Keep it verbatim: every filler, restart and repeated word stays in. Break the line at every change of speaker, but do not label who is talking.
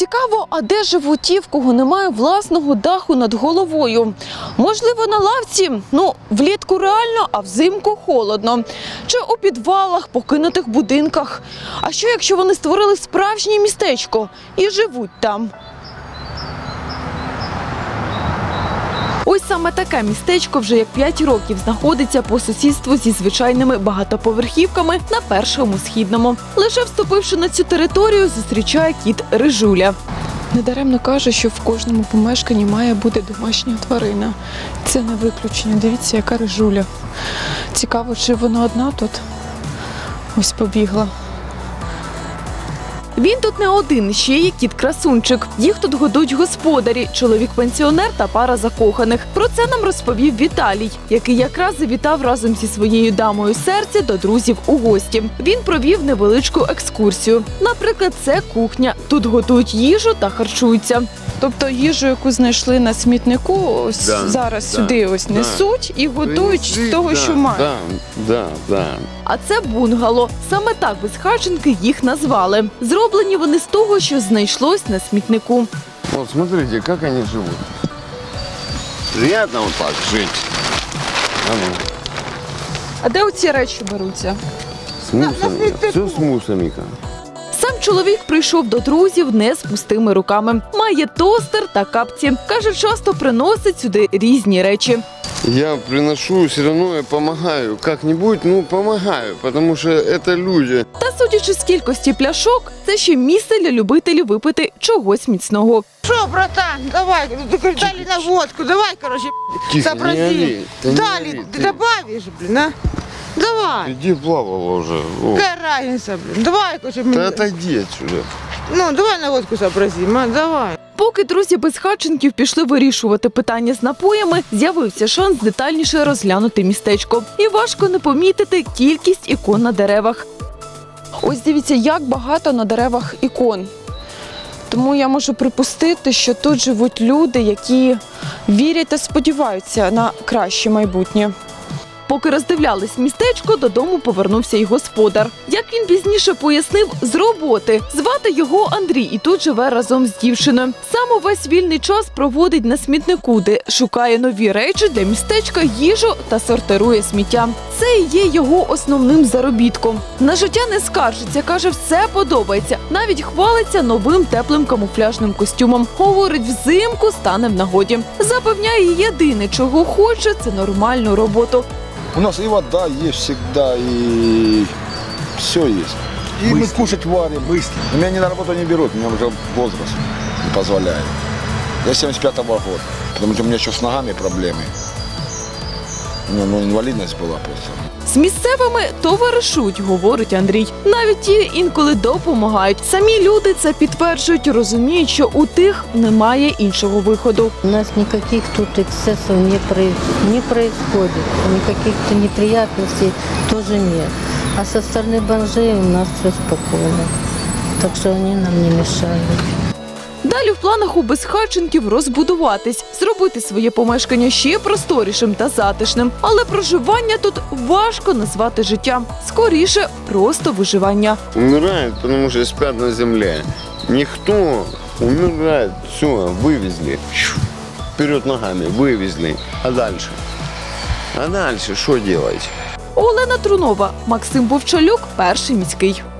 Цікаво, а де живуть ті, в кого немає власного даху над головою? Можливо, на лавці? Ну, влітку реально, а взимку холодно. Чи у підвалах, покинутих будинках? А що, якщо вони створили справжнє містечко і живуть там? Ось саме таке містечко вже як п'ять років знаходиться по сусідству зі звичайними багатоповерхівками на Першому Східному. Лише вступивши на цю територію, зустрічає кіт Рижуля. Недаремно каже, що в кожному помешканні має бути домашня тварина. Це не виключення. Дивіться, яка Рижуля. Цікаво, чи вона одна тут? Ось побігла. Він тут не один, ще є кіт-красунчик. Їх тут годують господарі, чоловік-пенсіонер та пара закоханих. Про це нам розповів Віталій, який якраз завітав разом зі своєю дамою серця до друзів у гості. Він провів невеличку екскурсію. Наприклад, це кухня. Тут готують їжу та харчуються. Тобто їжу, яку знайшли на смітнику, ось
да,
зараз
да,
сюди ось
да.
несуть і готують
Принесли,
з того,
да,
що мають.
Да, да, да.
А це бунгало. Саме так безхатченки їх назвали. Зроблені вони з того, що знайшлось на смітнику.
Вот смотрите, как они живут. Приятно вот так жить. А ну,
А де оці речі беруться?
с мусорами. Все с мусорами.
Сам чоловік прийшов до друзів не з пустими руками. Має тостер та капці. Каже, часто приносить сюди різні речі.
Я приношу, все равно я помогаю. Как-нибудь, ну, помогаю, потому что это люди.
Та судячи з кількості пляшок, це ще місце для любителів випити чогось міцного.
Что, братан, давай, дали на водку, давай, короче,
Тихо,
сообрази.
не ори, да не
Дали,
ори,
ты
ты.
добавишь, блин, а? Давай,
Иди плавала уже. О.
какая разница, блин, давай, короче, мне-
Да отойди отсюда.
ну, давай на водку сообразим, а, давай.
Поки друзі безхатченків пішли вирішувати питання з напоями, з'явився шанс детальніше розглянути містечко. І важко не помітити кількість ікон на деревах. Ось дивіться, як багато на деревах ікон. Тому я можу припустити, що тут живуть люди, які вірять та сподіваються на краще майбутнє. Поки роздивлялись містечко, додому повернувся й господар. Як він пізніше пояснив, з роботи. Звати його Андрій і тут живе разом з дівчиною. Сам увесь вільний час проводить на смітнику, де шукає нові речі для містечка, їжу та сортирує сміття. Це і є його основним заробітком. На життя не скаржиться, каже, все подобається. Навіть хвалиться новим теплим камуфляжним костюмом. Говорить, взимку стане в нагоді. Запевняє, єдине, чого хоче, це нормальну роботу.
У нас и вода есть всегда, и все есть. И мы кушать варим. Быстро. Меня ни на работу не берут, у меня уже возраст не позволяет. Я семьдесят пятого года, потому что у меня еще с ногами проблемы. У меня ну, инвалидность была просто.
З місцевими товаришують, говорить Андрій. Навіть ті інколи допомагають. Самі люди це підтверджують, розуміють, що у тих немає іншого виходу.
У нас никаких тут эксцессов не, проис... не происходит, никаких неприятностей тоже нет. А со стороны бомжей у нас все спокойно, так что они нам не мешают.
Далі в планах у безхатченків розбудуватись, зробити своє помешкання ще просторішим та затишним. Але проживання тут важко назвати життям. Скоріше, просто виживання.
Умирают, потому что спят на земле. Никто умирает. Все, вывезли. Щу, вперед ногами, вывезли. А дальше? А дальше что делать?
Олена Трунова, Максим Вовчалюк, Перший міський.